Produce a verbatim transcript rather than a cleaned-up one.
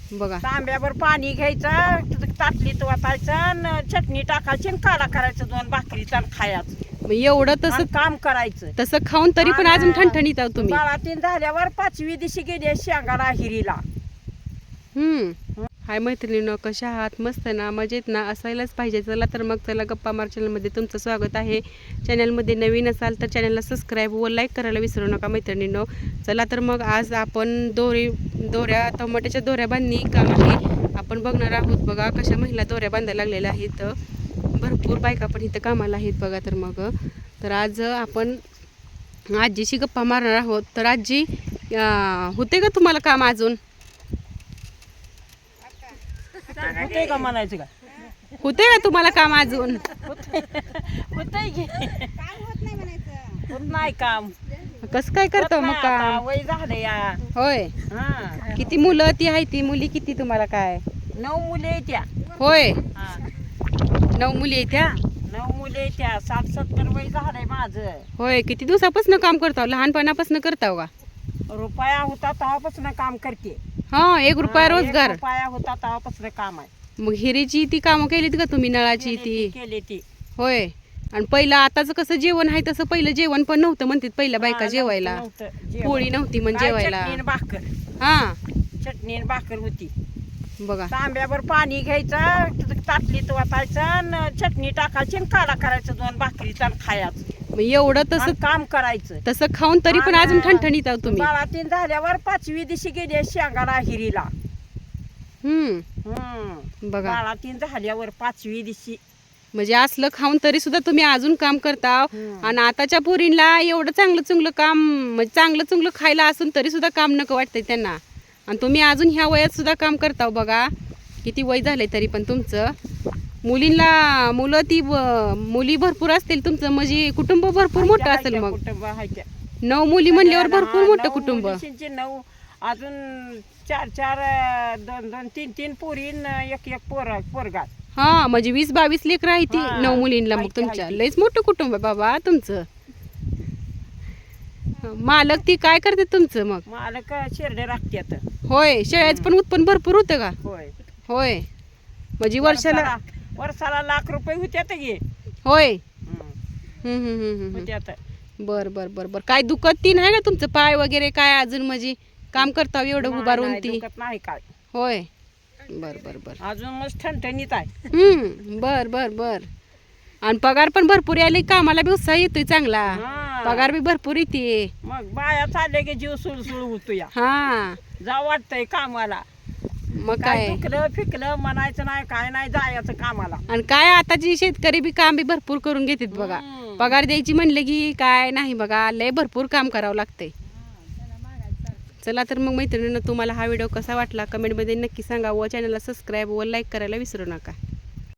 बघा तांब्यावर पाणी घ्यायचं, ताटलीत वाटायचं, चटणी टाकायची आणि काढा करायचं, दोन भाकरीचा खायचं. मग एवढं आणि तसं काम करायचं. तसं खाऊन तरी पण अजून ठणठणीत आहोत तुम्ही. बाळातीन झाल्यावर पाचवी दिवशी गेली शेंगाला हिरीला. हम्म हाय मैत्रिणींनो, कशा आहात? मस्त ना, मजेत ना? असायलाच पाहिजे. चला तर मग चला गप्पा मार चॅनलमध्ये तुमचं स्वागत आहे. चॅनलमध्ये नवीन असाल तर चॅनलला सबस्क्राईब व लाईक करायला विसरू नका मैत्रिणींनो. चला तर मग आज आपण दोरी दोऱ्या टमाट्याच्या दोऱ्या बांधणी काम आहे आपण बघणार आहोत. बघा कशा महिला दोऱ्या बांधायला लागलेल्या आहेत. भरपूर बायका पण इथं कामाला आहेत बघा. तर मग तर आज आपण आजीशी गप्पा मारणार आहोत. तर आजी, होते का तुम्हाला काम अजून? होतंय का म्हणायचं का? होते का तुम्हाला काम अजून? होतंय की होत नाही काम. कसं काय करतो मग काम? वय झालं या. होय. हा, किती मुलं ती आहे? ती मुली किती तुम्हाला? काय नऊ मुले येत्या. होय, हा, नऊ मुली आहेत त्या. नऊ मुले येत्या. साठ सत्तर वय झालंय माझं. होय, किती दिवसापासून काम करताव? लहानपणापासून करताव का? रुपया होता तेव्हापासून काम करते. हा, एक रुपया हा, एक रोजगार. रुपया होता तेव्हापासून काम आहे. मग हिरीची ती कामं केलीत का तुम्ही? नळाची ती? केली ती. होय. आणि पहिलं आताच कसं जेवण आहे तसं पहिलं जेवण पण नव्हतं म्हणतात पहिल्या बायका हा, जेवायला. नव्हतं, नव्हतं जेवण. पोळी नव्हती म्हणजे काय जेवायला. चटणी आणि भाकर. हा चटणी आणि भाकर होती. बघा. तांब्यावर पाणी घ्यायचं, ताटलीत वाटायचं, चटणी टाकायची आणि काढा करायचं, दोन भाकरीचा आणि खायचं. मग एवढं तसं आणि काम करायचं. तसं खाऊन तरी पण अजून ठणठणीत आहोत तुम्ही. बाळातीन झाल्यावर पाचवी दिवशी गेली शेंगाला हिरीला. हम्म हम्म बघा. बाळातीन झाल्यावर पाचवी दिवशी. म्हणजे असलं खाऊन तरी सुद्धा तुम्ही अजून काम करता. हम्म. आणि आताच्या पोरींना एवढं चांगलं चांगलं काम, म्हणजे चांगलं चांगलं खायला असून तरी सुद्धा काम नको वाटतंय त्यांना. आणि तुम्ही अजून ह्या वयात सुद्धा काम करता. बघा किती वय झालंय तरी पण तुमचं. मुलींना मुलं ती ब- मुली भरपूर असतील तुमचं, म्हणजे कुटुंब भरपूर मोठं असेल. मग कुटुंब आहे त्या. नऊ मुली म्हणल्यावर सगळ्याला, भरपूर हा, मोठं नऊ कुटुंब. मुलींचे नऊ, अजून चार चार अं, दोन दोन तीन तीन पोरी न एक एक पोर पोरगा. हा, म्हणजे वीस बावीस लेकरं आहे ती हा, नऊ मुलींना. मग आहे ती, तुमच्या आहे ती. लयच मोठं कुटुंब आहे बाबा तुमचं. मालक ती काय करते तुमचं मग? मालक शेरडे राखत्यात. होय, शेळ्याचं पण उत्पन्न भरपूर होतं का? होय. होय, म्हणजे वर्षाला. वर्षाला वर्षाला लाख रुपये होत्यात गे. होय. हम्म, हम्म हम्म हम्म हम्म. होत्यात. बर बर बर बर. काय दुखत ती नाही का तुमचं पाय वगैरे काय अजून? म्हणजे काम करता एवढं नाही, उभारून नाही, ती? दुखत नाही काय. होय. बर बर बर. अजून मस्त ठणठणीत आहे. हम्म बर बर बर. आणि पगार पण भरपूर यायला, कामाला बी उत्साह येतोय चांगला. हा. पगार बी भरपूर येते. मग बाया चालले की जीव सुळसुळ होतो या. हा, जा वाटतंय कामाला. मग काय काय. दुखलं फिकलं म्हणायचं नाही, काय नाही, जायचं कामाला. आणि काय आताची शेतकरी बी काम बी भरपूर करून घेतात बघा. हम्म. पगार द्यायची म्हणले की काय नाही बघा, लय भरपूर काम करावं लागतंय. चला तर मग मैत्रिणींनो, तुम्हाला हा व्हिडिओ कसा वाटला कमेंटमध्ये नक्की सांगा व चॅनलला सबस्क्राईब व लाईक करायला विसरू नका.